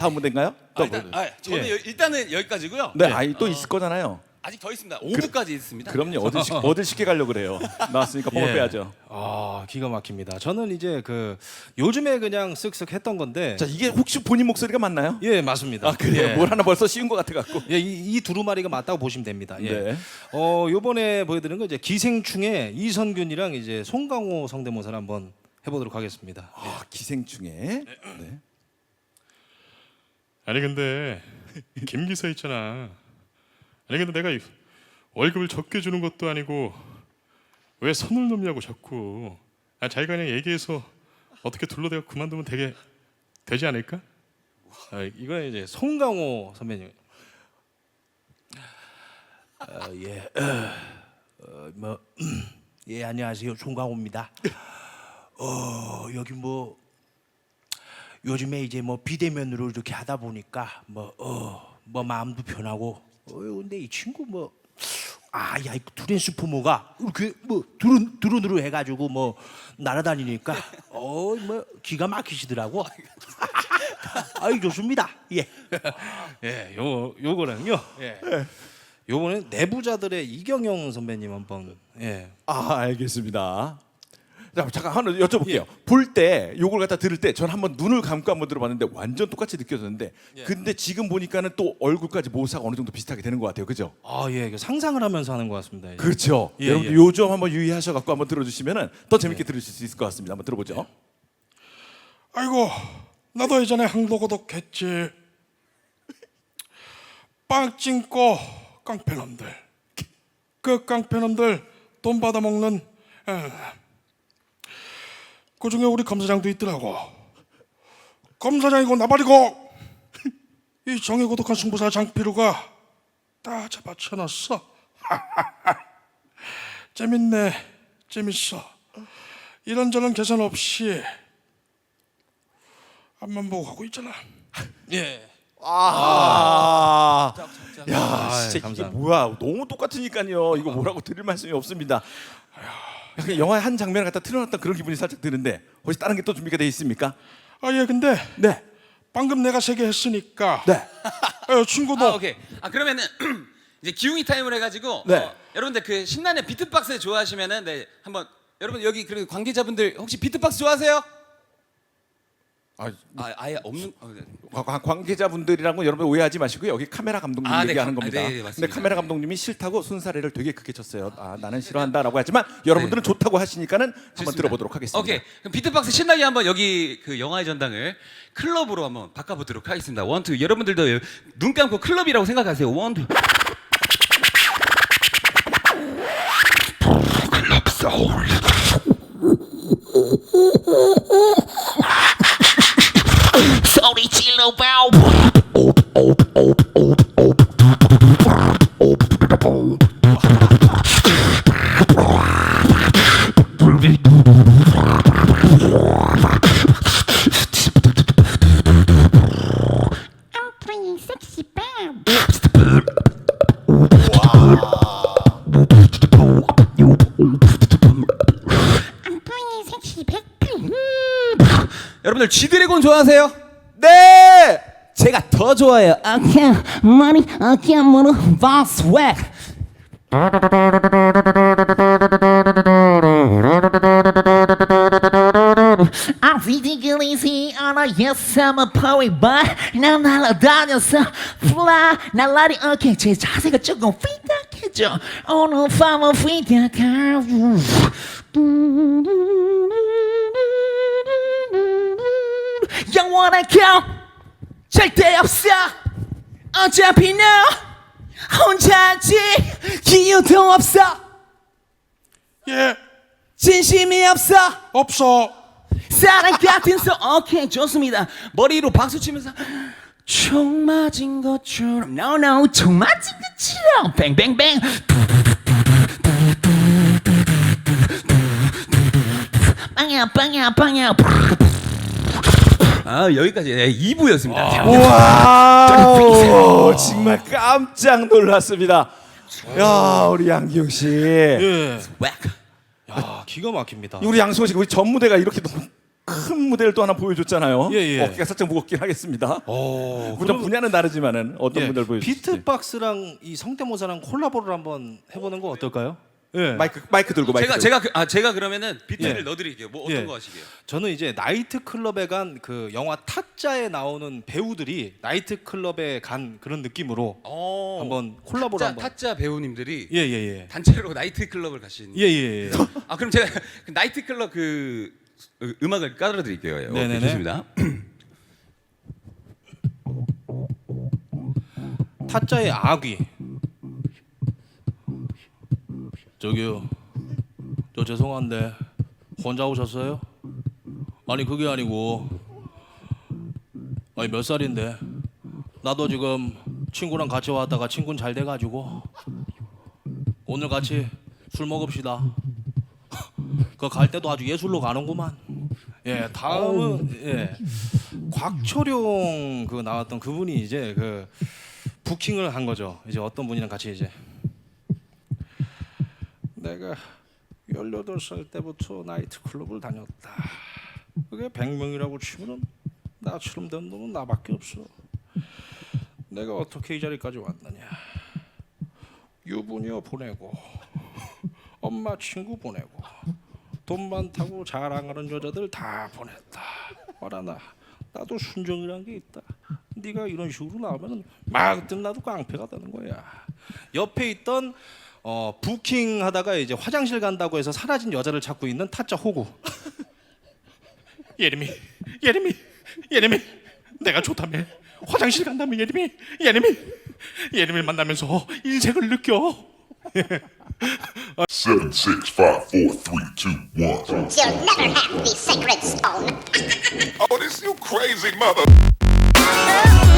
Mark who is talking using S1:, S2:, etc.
S1: 다음 무대인가요? 또
S2: 저는 일단은 여기까지고요.
S1: 네, 아이 또 있을 거잖아요.
S2: 아직 더 있습니다. 5부까지 있습니다.
S1: 그럼요. 어딜 쉽게 가려고 그래요. 나왔으니까 뽕을 빼야죠.
S3: 아 기가 막힙니다. 저는 이제 그 요즘에 그냥 쓱쓱 했던 건데.
S1: 자, 이게 혹시 본인 목소리가 맞나요?
S3: 예 맞습니다.
S1: 아, 그래요?
S3: 예.
S1: 뭘 하나 벌써 씌운 것 같아 갖고.
S3: 예, 이 두루마리가 맞다고 보시면 됩니다. 예.
S1: 네.
S3: 요번에 보여드리는 거 이제 기생충의 이선균이랑 이제 송강호 성대모사를 한번 해보도록 하겠습니다.
S1: 아, 기생충에. 네.
S4: 아니 근데 김 기사 있잖아. 아니 근데 내가 월급을 적게 주는 것도 아니고 왜 선을 넘냐고 자꾸. 자기가 그냥 얘기해서 어떻게 둘러대고 그만두면 되지 않을까?
S3: 이거는 이제 송강호 선배님.
S5: 예, 안녕하세요. 송강호입니다. 여기 뭐 요즘에 이제 뭐 비대면으로 이렇게 하다 보니까 뭐 마음도 편하고 근데 이 친구 야, 이 트랜스포머가 이렇게 뭐 드론으로 해가지고 뭐 날아다니니까 뭐 기가 막히시더라고. 아이 좋습니다. 예.
S3: 예, 요거는요. 예. 요거는 내부자들의 이경영 선배님 한번. 예.
S1: 아, 알겠습니다. 자, 잠깐 하나 여쭤볼게요. 볼 때 요걸 갖다 들을 때 전 한번 눈을 감고 한번 들어봤는데 완전 똑같이 느껴졌는데 근데 지금 보니까는 또 얼굴까지 모사가 어느 정도 비슷하게 되는 것 같아요. 그죠?
S3: 아, 예. 이거 상상을 하면서 하는 것 같습니다. 예.
S1: 그렇죠.
S3: 예,
S1: 여러분들
S3: 예.
S1: 요 점 한번 유의하셔 갖고 한번 들어주시면은 더 재밌게 들으실 수 있을 것 같습니다. 한번 들어보죠.
S4: 아이고 나도 예전에 항도고독 했지. 빵 찡고 깡패놈들. 그 깡패놈들 돈 받아먹는 그중에 우리 검사장도 있더라고. 검사장이고 나발이고 이 정의고독한 승부사 장피루가 다 잡아쳐놨어. 재밌네, 재밌어. 이런저런 계산 없이 앞만 보고 가고 있잖아.
S3: 예.
S1: 야, 진짜 이게
S3: 감사합니다.
S1: 뭐야? 너무 똑같으니까요. 이거 뭐라고 드릴 말씀이 없습니다. 그냥 영화의 한 장면을 갖다 틀어놨던 그런 기분이 살짝 드는데 혹시 다른 게 또 준비가 돼 있습니까?
S4: 예, 근데
S1: 네.
S4: 방금 내가 3개 했으니까
S1: 네.
S4: 친구도
S2: 오케이. 그러면은 이제 기웅이 타임을 해가지고
S1: 네.
S2: 여러분들 그 신나는 비트박스 좋아하시면은 네 한번 여러분 여기 그리고 관계자분들 혹시 비트박스 좋아하세요? 아예 없는. 네.
S1: 관계자분들이랑은 여러분 오해하지 마시고요. 여기 카메라 감독님
S2: 네,
S1: 얘기하는 겁니다.
S2: 네,
S1: 근데
S2: 맞습니다.
S1: 카메라 감독님이 싫다고 순사례를 되게 크게 쳤어요. 나는 싫어한다라고 하지만 여러분들은 좋다고 하시니까는 한번
S2: 좋습니다.
S1: 들어보도록 하겠습니다.
S2: 오케이. 그럼 비트박스 신나게 한번 여기 그 영화의 전당을 클럽으로 한번 바꿔보도록 하겠습니다. 원, 투. 여러분들도 눈 감고 클럽이라고 생각하세요. 원, 투. 클럽 소울.
S6: 소리 질러봐.
S7: I'm playing sexy bam. I'm playing sexy bam.
S2: 여러분들 G드래곤 좋아하세요?
S1: 네.
S2: 제가 더 좋아해요.
S6: Okay, money, okay, money, boss swag. I'm physically easy on a yes, I'm a poet, but 난 날아다녔어. Fly, 날라리, okay, 제 자세가 조금 휘딱해져. 오늘 밤은 휘딱하. 영원한 겨 절대 없어. 어차피 너 혼자지. 이유도 없어.
S4: 예,
S2: 진심이 없어.
S4: 없어.
S2: 사랑 같은 소. 오케이, 좋습니다. 머리로 박수 치면서 총 맞은 것처럼.
S6: No, no, 총 맞은 것처럼. 뱅뱅뱅. 빵야, 빵야, 빵야.
S2: 여기까지 2부였습니다.
S1: 와, 정말 깜짝 놀랐습니다. 야, 우리 양기용 씨.
S3: 예.
S2: 웩.
S3: 야, 기가 막힙니다.
S1: 우리 양승호 씨, 우리 전 무대가 이렇게 너무 큰 무대를 또 하나 보여줬잖아요.
S3: 예, 예.
S1: 어깨가 살짝 무겁긴 하겠습니다. 물론 분야는 다르지만은 어떤
S3: 예,
S1: 분들 보여주실지.
S3: 비트박스랑 이 성대모사랑 콜라보를 한번 해보는 거 어떨까요? 예.
S1: 마이크 들고 마이크.
S2: 제가 그러면은 비트를
S3: 예.
S2: 넣어드릴게요. 뭐 어떤
S3: 예.
S2: 거 하시게요?
S3: 저는 이제 나이트클럽에 간 그 영화 타짜에 나오는 배우들이 나이트클럽에 간 그런 느낌으로 한번 콜라보를 한번.
S2: 타짜 배우님들이
S3: 예예예.
S2: 단체로 나이트 클럽을 가신.
S3: 예예예.
S2: 아 그럼 제가 그 나이트 클럽 그 음악을 깔아 드릴게요.
S3: 네네네.
S2: 좋습니다.
S3: 타짜의 아귀. 저기요. 저 죄송한데 혼자 오셨어요? 아니 그게 아니고 아니 몇 살인데 나도 지금 친구랑 같이 왔다가 친구는 잘 돼가지고 오늘 같이 술 먹읍시다. 그 갈 때도 아주 예술로 가는구만. 예, 다음은 예, 곽철용 그 나왔던 그분이 이제 그 부킹을 한 거죠. 이제 어떤 분이랑 같이 이제 내가 18살 때부터 나이트클럽을 다녔다. 그게 100명이라고 치면은 나처럼 된 놈은 나밖에 없어. 내가 어떻게 이 자리까지 왔느냐. 유부녀 보내고 엄마 친구 보내고 돈 많다고 자랑하는 여자들 다 보냈다. 어라 나도 순정이란 게 있다. 네가 이런 식으로 나오면 막 나도 깡패가 되는 거야. 옆에 있던 부킹 하다가 이제 화장실 간다고 해서 사라진 여자를 찾고 있는 타짜 호구. 예림이 내가 좋다며 화장실 간다며 예림이 만나면서 인생을 느껴.
S8: 7, 6, 5, 4, 3, 2, 1.
S7: You'll never have the sacred stone.
S8: Oh, this you crazy mother.